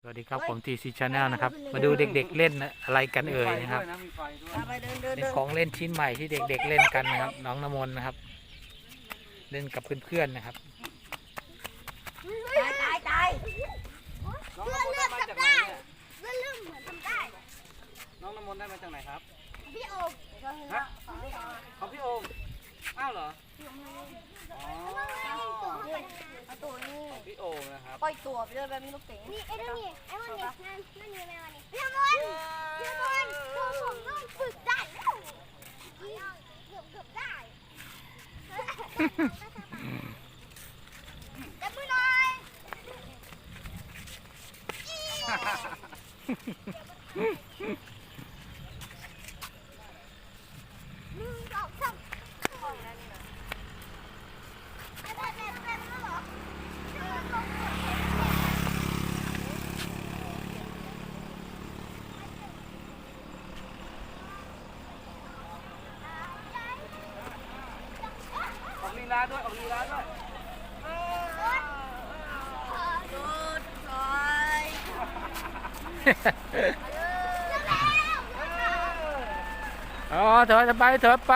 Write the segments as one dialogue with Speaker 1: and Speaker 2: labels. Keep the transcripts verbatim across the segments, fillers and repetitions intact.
Speaker 1: วัสดีครับผมทีซีชาแนลนะครับมาดูเด็กๆเล่นอะไรกันเอ่ยนะครับเป็นของเล่นชิ้นใหม่ที่เด็กๆเล่นกันนะครับน้องน้ำมนต์นะครับเล่นกับเพื่อนๆนะครับ
Speaker 2: ตายตายตายน้องน้ำมนต์ได้มาจากไหนเนี่ยเลื่อนลื่นเหมือนทำได้น้องน้ำมนต์ได้มาจากไหนครับพี่โอมฮะของพี่โอมอ้าวเหรออ๋อตัวนี้พี่โอมนะครับปล่อยตัวไปเลยแบบนี้ลูกเต๋อนี่ไอ้นั่นนี่ไอ้วันนี้นั่นนั่นนี่แม่วันนี้พี่มนพี่มนผมผมต้องฝึกได้แล้วเกือบเกือบได้จับมือหน่อยหนึ่งสองสามออกลีลาด้วยออกลีลาด้วยดูดถอย
Speaker 1: อ๋อถอยไปถอยไป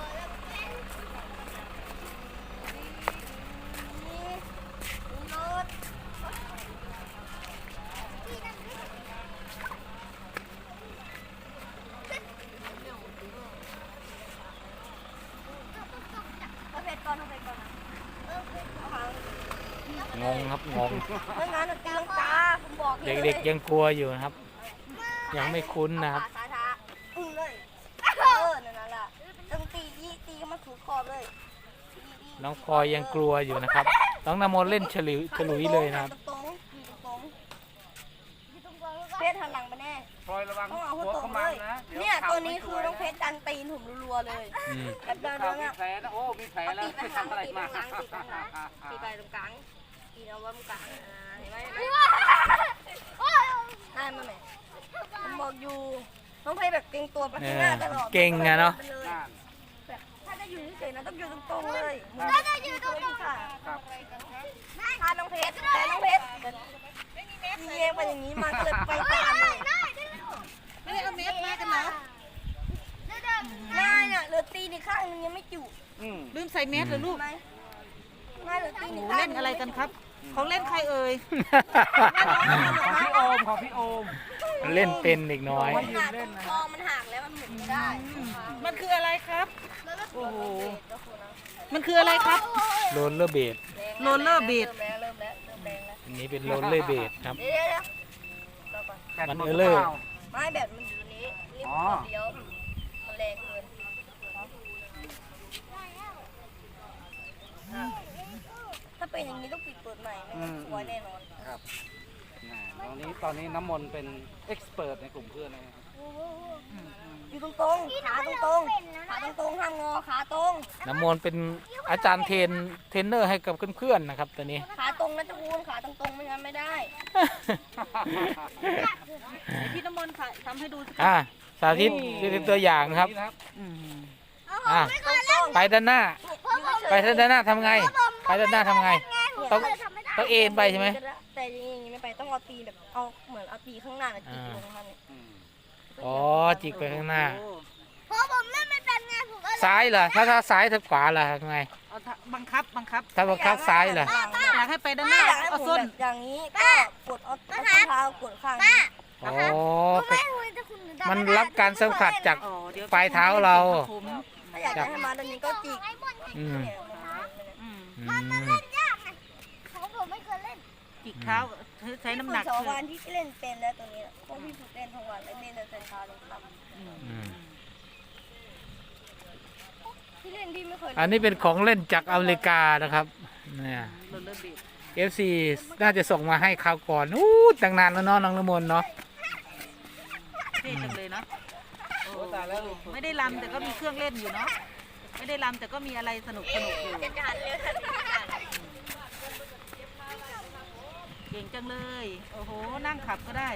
Speaker 1: งงครับงงเด็กๆยังกลัวอยู่นะครับยังไม่คุ้นนะครับน้องพลอยยังกลัวอยู่นะครับน้องน้ำมนต์เล่นฉลุยฉลุยเลยนะครับ
Speaker 2: เพชรหันหลังไปแน่
Speaker 3: พลอยระวังหัวขมันนะ
Speaker 2: เนี่ยตัวนี้คือน้องเพชรดันตีนผมรัวๆเลยแบบเดินเดินอ่ะ
Speaker 3: มีแผลนะโอ้มีแผลแล้ว
Speaker 2: ตีไปทางตีไปทางตีไปทางตีไปตรงกลางตีเอาไว้ตรงกลางเห็นไหมได้มาไหมผมบอกอยู่น้องเพชรแบบเก่งตัวไปข้างหน้าตลอด
Speaker 1: เก่งอะเนาะ
Speaker 2: ถ้าจะอยู่เฉยๆนะต้องอยู่ตรงๆเลยถ้าจะอยู่ตรงๆค่ะถ้าน้องเพชรแต่น้องเพชรเยี่ยไปอย่างนี้มาก็เลยไปตามเลยไม่ได้เอาเม็ดมากันเนาะง่ายน่ะเหลือตีนข้างนึงยังไม่จุ
Speaker 4: ลืมใส่เม็ดเหรอลูก
Speaker 2: ง่ายเหลือตีน
Speaker 4: เล่นอะไรกันครับของเล่นใครเอ่ย
Speaker 3: ของพี่โอมของพี่โอม
Speaker 1: เล่นเป็นเด็กน้อย
Speaker 2: มันหักคอมันหักแล้วมันหมุนไม่ได้
Speaker 4: มันคืออะไรครับโอ้โหมันคืออะไรครับ
Speaker 1: โรลเลอร์เบด
Speaker 4: โรลเลอร์เบด
Speaker 2: เริ่มแล้วเริ่มแรงแล้ว
Speaker 1: อันนี้เป็นโรลเลอร์เบดครับมันเออเลอร์
Speaker 2: ไม่แบบมันอยู่นี้รีบเดียวมันแรงเกินถ้าเป็นอย่างนี้ต้องปิดเปิดใหม่ไม่สวยแน่นอน
Speaker 3: ครับตอนนี้ตอนนี้น้ำมนต์เป็นเอ็กซ์เพรสในกลุ่มเพื่อนนะครับ
Speaker 2: อยู่ตรงตรงขาตรงตรงขาตรงตรงห้ามงอขาตรง
Speaker 1: น้ำมนต์เป็นอาจารย์เทรนเทรนเนอร์ให้กับเพื่อนๆนะครับตอนนี้
Speaker 2: ขาตรงนะจะคูณขาตรงตรงไม่งั้นไม่ได้
Speaker 4: พี่น้ำมนต์ทำให้ดู
Speaker 1: อ่าสาธิตเป็นตัวอย่างครับอ่าไปด้านหน้าไปด้านหน้าทำไงไปด้านหน้าทำไงต้องต้องเอ็นไปใช่ไหม
Speaker 2: แต่อย่างนี้ไม่ไปต้องเอาตีแบบเอาเหมือนเอาตีข้างหน้าจิกลงมัน
Speaker 1: อ๋อจิกไปข้างหน้า
Speaker 2: เพราะผมเล่นไม่เป็นไงผม
Speaker 1: ซ้ายเหรอถ้าถ้าซ้ายถ้าขวาเหรอทำไง
Speaker 4: บังคับบังคับ
Speaker 1: ถ้าบังคับซ้ายเหรอ
Speaker 4: อยากให้ไปด้านหน้าเอาส้น
Speaker 2: อย่างนี้ก็กดเอาเท้ากดข้าง
Speaker 1: อ๋อมันรับการสัมผัสจากปลายเท้าเรา
Speaker 2: ถ้าอยากจะให้มาตรงนี้ก็จิก
Speaker 1: อืม
Speaker 2: มันเล่นยากไงของผมไม่เคยเล่น
Speaker 4: จิกเท้าใช้น้ำหนัก
Speaker 2: สองวันที่เล่นเป็นแล้วตัวนี้พวกพี่ฝึกเล่นทั้งวันแล้วเล่นแต่เช้าลงค่ำที่เล่นพี่ไม่เคย
Speaker 1: อันนี้เป็นของเล่นจากอเมริกานะครับเนี่ยเอฟซีน่าจะส่งมาให้คราวก่อนอู้ตั้งนานแล้วเนาะน้องน้ำมนต์เนาะ
Speaker 4: เท่จังเลยเนาะไม่ได้รำแต่ก็มีเครื่องเล่นอยู่เนาะไม่ได้รำแต่ก็มีอะไรสนุกสนุกอยู่เก่งจังเลยโอ้โหนั่งขับก็ได้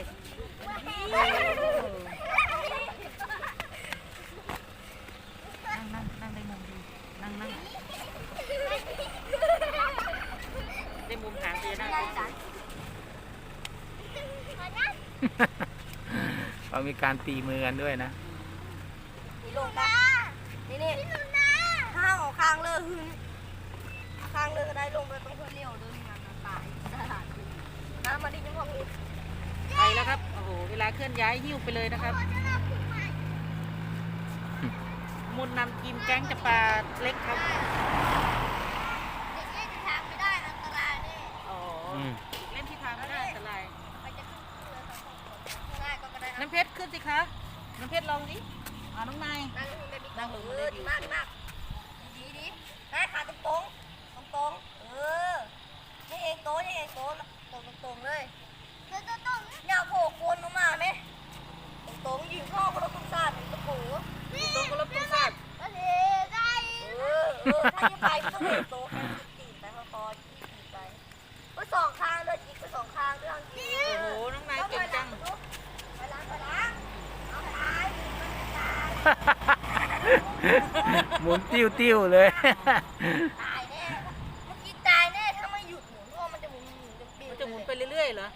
Speaker 4: นั่งนั่งนั่งได้มุมดีนั่งนั่งได้มุมหางเตียนั่ง
Speaker 1: เขามีการตีมือกันด้วยนะ
Speaker 5: นี่ลงนะนี่นี่ข้างออกข้างเลยหึงข้างเลยก็ได้ลงไปต้องเพื่อเลี้ยวเดินงานตายน้ำมาดิจังหวะนี้
Speaker 4: ไปแล้วครับ โอ้โห เวลาเคลื่อนย้ายหิ้วไปเลยนะครับ มุนนำทีมแก๊งจะปลาเล็กครับ
Speaker 5: เด็กเล่นทางไม่ได้อันตรายแน่
Speaker 4: อ๋อ
Speaker 1: อืม
Speaker 4: เล่นที่ทางไม่ได้อันตราย
Speaker 5: ไปจะขึ้นเรือสองคนง่ายก็ได้นะ
Speaker 4: น้ำเพชรขึ้นสิคะ น้ำเพชรลองดิอ่าน้องนาย
Speaker 5: นั่งลงไปดินั่งลงเออดีมากดีมากดีดีให้ขาตรงตรงตรงตรงเออนี่เองโตนี่เองโตตรงตรงเลยตรงตรงเนี่ยโผล่โคนลงมาไหมตรงตรงยิงพ่อคนละตุ้งซาดตะปู
Speaker 4: ตรงกระลบตรงซาก
Speaker 5: เออเออถ้าจะไปต้องเห็นโตแค่ตีนไปพอๆตีนไปก็สองข้างเลยจิกไปสองข้างด้วยจริง
Speaker 4: โอ้โห น้องนายเก่งจัง
Speaker 5: ไปล้างไปล้างเอาไปล้าง
Speaker 1: หมุนติ้วติ้วๆเลย
Speaker 5: ตายแน่เมื่อกี้ตายแน่ถ้าไม่หยุดหมุนเพราะมันจะหมุนหมุนจนปิว
Speaker 4: มันจะหมุนไปเรื่อยๆเหรอ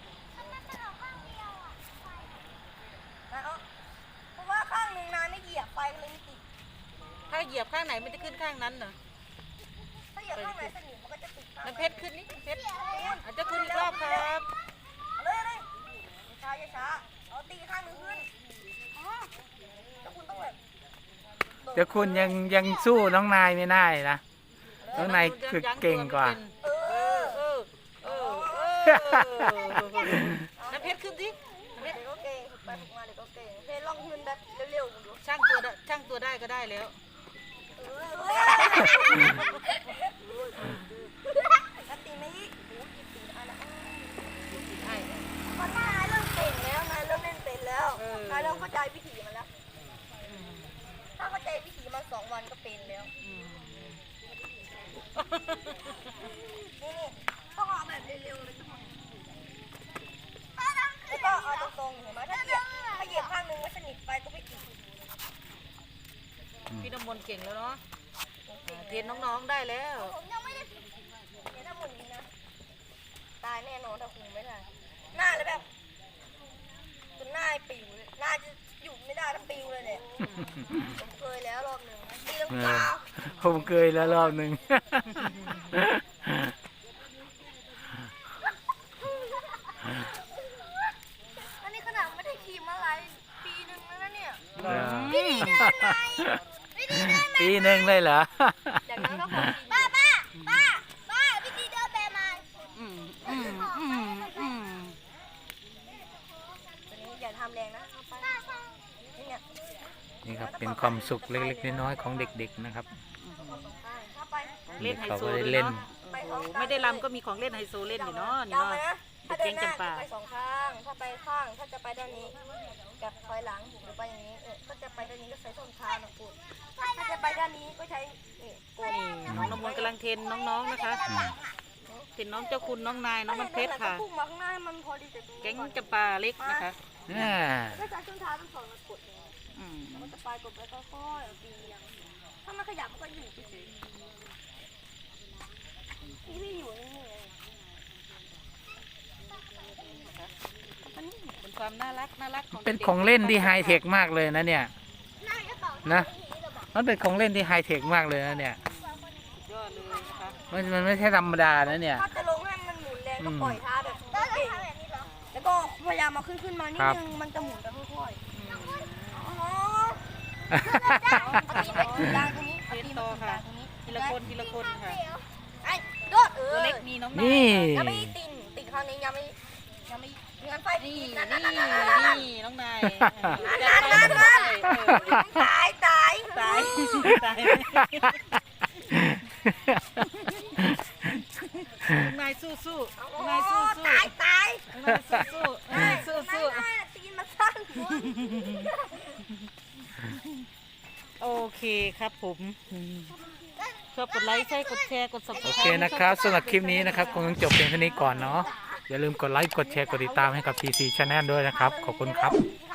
Speaker 5: เพราะว่าข้างหนึ่งนายไม่เหยียบไปเลยไม่ติด
Speaker 4: ถ้าเหยียบข้างไหนมันจะขึ้นข้างนั้นเหรอ
Speaker 5: ถ้าเหยียบข้างไหนสนิมมันก็จะติดข้าง
Speaker 4: น้ำเพชรขึ้นนี่น้ำเพชรอาจจะขึ้นอีกรอบครับ
Speaker 5: เอาเลยเลยช้าช้าเอาตีข้างหนึ่งขึ้นแล้วคุณต้องแบบ
Speaker 1: เดี๋ยวคุณยังยังสู้น้องนายไม่ได้นะ น้องนายคือเก่งกว่า
Speaker 5: เอ
Speaker 4: เอ
Speaker 5: อ
Speaker 4: อเออเออเออน้ำเพชรขึ้นสิน้ำเพชร
Speaker 5: เด็กก็เก่งไปฝึกมาเด็กก็เก่งเพลลองขึ้นแบบเร็วๆดู
Speaker 4: ช่างตัวได้ช่างตัวได้ก็ได้แล้ว
Speaker 5: ถ้าตีไม่อีกโอ้ยตีอะไร
Speaker 4: ใช่
Speaker 5: เพราะนายเริ่มเก่งแล้วนายเริ่มเล่นเป็นแล้วนายเริ่มเข้าใจวิธีมันแล้ว ถ้าเข้าใจวิธีมันสองวันก็เป็นแล้ว
Speaker 4: อืม
Speaker 5: นี่นี่ต้องเอาแบบเร็วๆเลยทุกคนแล้วก็เอาตรงๆเห็นไหมถ้าเหยียบถ้าเหยียบข้างนึงแล้วสนิทไปก็ไม่ติด
Speaker 4: พี่น้ำมนต์เก่งแล้วเนาะเทรนน้องๆได้แล้ว
Speaker 5: ผมยังไม่ได้เดี๋ยวถ้าหมุนนี้นะตายแน่นอนถ้าคุมไม่ได้หน้าเลยแบบจนหน้าปิวเลยหน้าจะหยุดไม่ได้ถ้าปิวเลยเนี่ยผมเคยแล้วรอบหนึ่งตีลังกา
Speaker 1: ผมเคยแล้วรอบหนึ่ง
Speaker 5: อันนี้ขนาดไม่ได้ขี่มาหลายปีหนึ่งแล้วนะเนี่ย
Speaker 1: เออ
Speaker 5: วิธีเดินไหนวิธีเดินไหน
Speaker 1: ปีหนึ่งเลยเหรอ
Speaker 5: จากนั้นก็ขอป้าป้าป้าป้าวิธีเดินแบบมัน
Speaker 4: อืมอืมอืมอืม
Speaker 5: ตัวนี้อย่าทำแรงนะเอาไปนี่เนี่ย
Speaker 1: นี่ครับเป็นความสุขเล็กๆน้อยๆของเด็กๆนะครับ
Speaker 5: ถ้าไป
Speaker 4: เล่นไฮ
Speaker 1: เขา
Speaker 4: โซ
Speaker 1: ก็
Speaker 4: เล
Speaker 1: ได้
Speaker 4: ย
Speaker 1: เล่น
Speaker 4: เนาะโอ้โหไม่ได้รำก็มีของเล่นไฮโซเล่นอยู่เนาะนี่
Speaker 5: จำ
Speaker 4: เนาะ
Speaker 5: ไว้นะถ้า
Speaker 4: เด็
Speaker 5: เดิ
Speaker 4: ก
Speaker 5: น
Speaker 4: แก๊ง
Speaker 5: หน้า
Speaker 4: จำปา
Speaker 5: ไปสองข้าง ถ้าไปข้าง ถ้าจะไปด้านนี้กับถอยหลังหรือไปอย่างนี้เออก็จะไปด้านนี้ก็ใช้ส้นเท้านะคุณถ้าจะไปด้านนี้ก็ใช้นี่กด
Speaker 4: นี่น้องน้ำมนต์กำลังเทรนน้องๆนะคะเทรนน้องเจ้าคุณน้องนายน้องมันเพชรค่ะ
Speaker 5: พุ่งมาข้างหน้าให้มันพอดีแต่ตรงนี้
Speaker 4: แก๊ง
Speaker 5: ก่อน
Speaker 4: จำปาเล็กนะคะ
Speaker 1: อ่า
Speaker 5: ถ้าใช้ส้นเท้าต้องสองมากดอย่างนี้
Speaker 4: อืม
Speaker 5: มันจะไปกดไปค่อยๆเอาตีอย่างถ้ามันขยับมันก็อยู่เฉยๆนี่ไม่อยู่นี่ไง
Speaker 4: เป็นความน่ารักน่ารักของ
Speaker 1: เป็นของเล่นที่ไฮเทคมากเลยนะเนี่ย
Speaker 5: น่าจะเป่า
Speaker 1: นะ มันเป็นของเล่นที่ไฮเทคมากเลยนะเนี่ย
Speaker 4: ยอดเลยนะคะ
Speaker 1: มันมันไม่ใช่ธรรมดานะเนี่ย
Speaker 5: ถ้าจะลงให้มันหมุนแรงก็ปล่อยเท้าแบบเก่งแล้วก็พยายามมาขึ้นขึ้นมานิดนึงมันจะหมุนแบบค่อยๆอ๋อเอาตีนไปตรงกลางตรงนี้
Speaker 4: เท
Speaker 5: เอา
Speaker 4: รน
Speaker 5: ตีน
Speaker 4: ต่อ
Speaker 5: ไปตรงก
Speaker 4: ค่ะ
Speaker 5: ลางตรงนี้
Speaker 4: ทีละคนทีละคนค่ะ
Speaker 5: ไอ้โดดเออ
Speaker 4: ตัวเล็กมีน้องนาย
Speaker 1: นี่
Speaker 5: ยังไม่ติ่งติ่งครั้งนี้ยังไม่ยังไม่งานไฟ
Speaker 4: นี่
Speaker 5: ติ่ง
Speaker 4: นี่
Speaker 5: นั่นนั่น
Speaker 4: นี่
Speaker 5: นั่นนั่น
Speaker 4: นี่น้องนาย
Speaker 5: นั่นนั่นนั่นตายตาย
Speaker 4: ตายตายน้องนายสู้สู้น้องนายสู้สู้
Speaker 5: ตายตาย
Speaker 4: น้องนายสู้สู้น้องนายสู้สู้
Speaker 5: ไม่ไม่ตีนมาสั้น
Speaker 4: โอเคครับผมชอบกดไลค์ใช่กดแชร์กด
Speaker 1: โอ
Speaker 4: subscribe
Speaker 1: เคนะครับสำหรับคลิปนี้นะครับคงต้องจบเพียงเท่านี้ก่อนเนาะอย่าลืมกดไลค์กดแชร์กดติดตามให้กับ ที ซี Channel ด้วยนะครับ ขอบคุณครับ
Speaker 5: ถ้